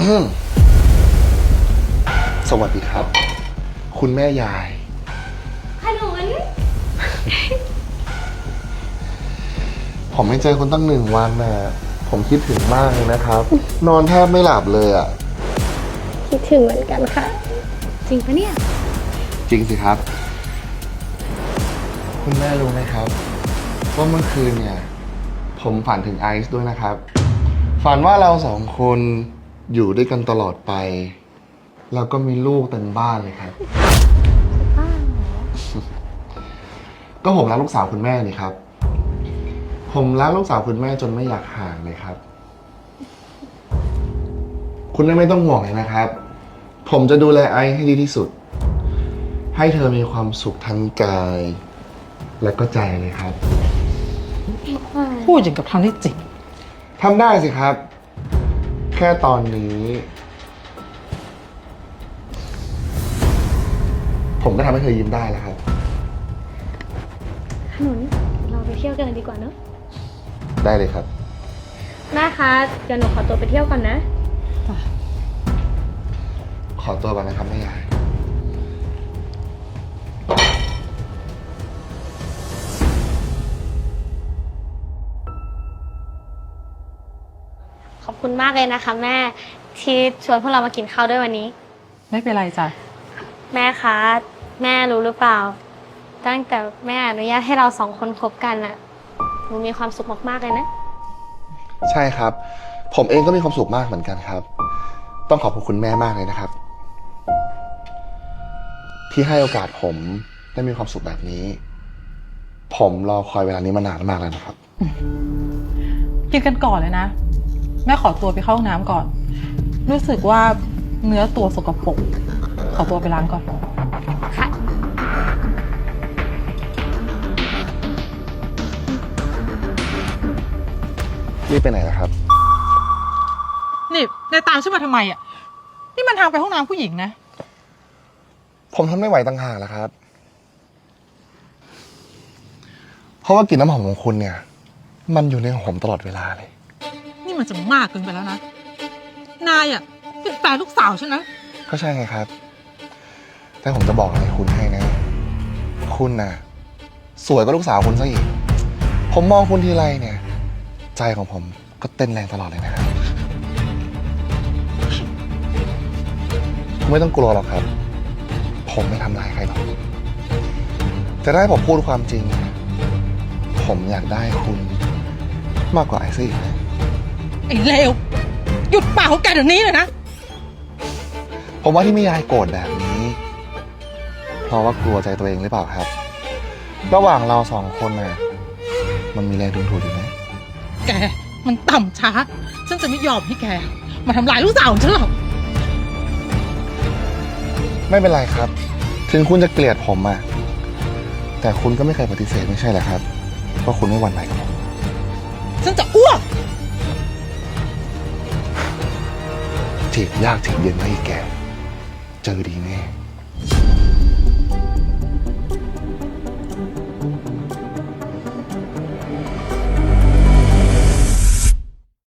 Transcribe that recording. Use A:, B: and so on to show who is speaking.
A: สวัสดีครับ คุณแม่ยาย
B: ขนุน
A: ผมไม่เจอคุณตั้ง1 วันน่ะผมคิดถึงมากเลยนะครับ นอนแทบไม่หลับเลยอ่ะ
B: คิดถึงเหมือนกันค่ะ จริงปะเนี่ย
A: จริงสิครับ คุณแม่รู้ไหมครับว่าเมื่อคืนเนี่ย ผมฝันถึงไอซ์ด้วยนะครับ ฝันว่าเรา2 คนอยู่ด้วยกันตลอดไป แล้วก็มีลูกเต็มบ้านเลยครับ ก็ผมรักลูกสาวคุณแม่นี่ครับ ผมรักลูกสาวคุณแม่จนไม่อยากห่างเลยครับ คุณแม่ไม่ต้องห่วงเลยนะครับ ผมจะดูแลไอซ์ให้ดีที่สุด ให้เธอมีความสุขทั้งกาย และก็ใจเลยครับ
C: พูดอย่างกับทำได้จริง
A: ทำได้สิครับ แค่ตอนนี้ ผมก็ทำให้เธอยิ้มได้แล้วครับ
B: ขนุน เราไปเที่ยวกันเลยดีกว่าเนอะ
A: ได้เลยครับ
B: แม่คะ เดี๋ยวหนูขอตัวไปเที่ยวก่อนนะ
A: ขอตัวก่อนนะครับแม่ยาย
B: ขอบคุณมากเลยนะคะแม่ที่ชวนพวกเรามากินข้าวด้วยวันนี้
C: ไม่เป็นไรจ้ะ
B: แม่คะ แม่รู้หรือเปล่า ตั้งแต่แม่อนุญาตให้เรา2 คนคบกันอะหนูมีความสุขมากๆเลยนะ
A: ใช่ครับ ผมเองก็มีความสุขมากเหมือนกันครับ ต้องขอบคุณแม่มากเลยนะครับ ที่ให้โอกาสผมได้มีความสุขแบบนี้ ผมรอคอยเวลานี้มานานมากแล้วนะครับ
C: กินกันก่อนเลยนะ แม่ขอตัวไปเข้าห้องน้ำก่อน รู้สึกว่าเนื้อตัวสกปรก ขอตัวไปล้างก่อน
B: ค่ะ
A: รีบไปไหนนะครับ
C: นี่นายตามฉันมาทำไมอ่ะ นี่มันทางไปห้องน้ำผู้หญิงนะ
A: ผมทนไม่ไหวต่างหากแล้วครับ เพราะว่ากลิ่นน้ำหอมของคุณเนี่ย มันอยู่ในของผมตลอดเวลาเลย
C: นี่มันจะมากเกินไปแล้วนะ นายอ่ะเป็นแฟนลูกสาวฉันนะ
A: ก็ใช่ไงครับ แต่ผมจะบอกอะไรคุณให้นะ คุณน่ะ สวยกว่าลูกสาวคุณซะอีก ผมมองคุณทีไรเนี่ย ใจของผมก็เต้นแรงตลอดเลยนะครับคุณไม่ต้องกลัวหรอกครับ ผมไม่ทำร้ายใครหรอกแต่ถ้าให้ผมพูดความจริง ผมอยากได้คุณมากกว่าไอซี่อีกนะ
C: ไอ้เลว หยุดปากของแกเดี๋ยวนี้เลยนะ
A: ผมว่าที่ไม่ยายโกรธแบบนี้ เพราะว่ากลัวใจตัวเองหรือเปล่าครับ ระหว่างเรา2 คนน่ะ มันมีแรงดึงดูดอยู่ไหม
C: แกมันต่ำช้า ฉันจะไม่ยอมให้แก มาทำลายลูกสาวของฉันหรอก
A: ไม่เป็นไรครับ ถึงคุณจะเกลียดผมอะแต่คุณก็ไม่เคยปฏิเสธไม่ใช่เหรอครับว่าคุณไม่หวั่นไหวกับผม
C: ฉันจะอ้วก
A: จีบยากจีบเย็นไม่แก เจอดีแน่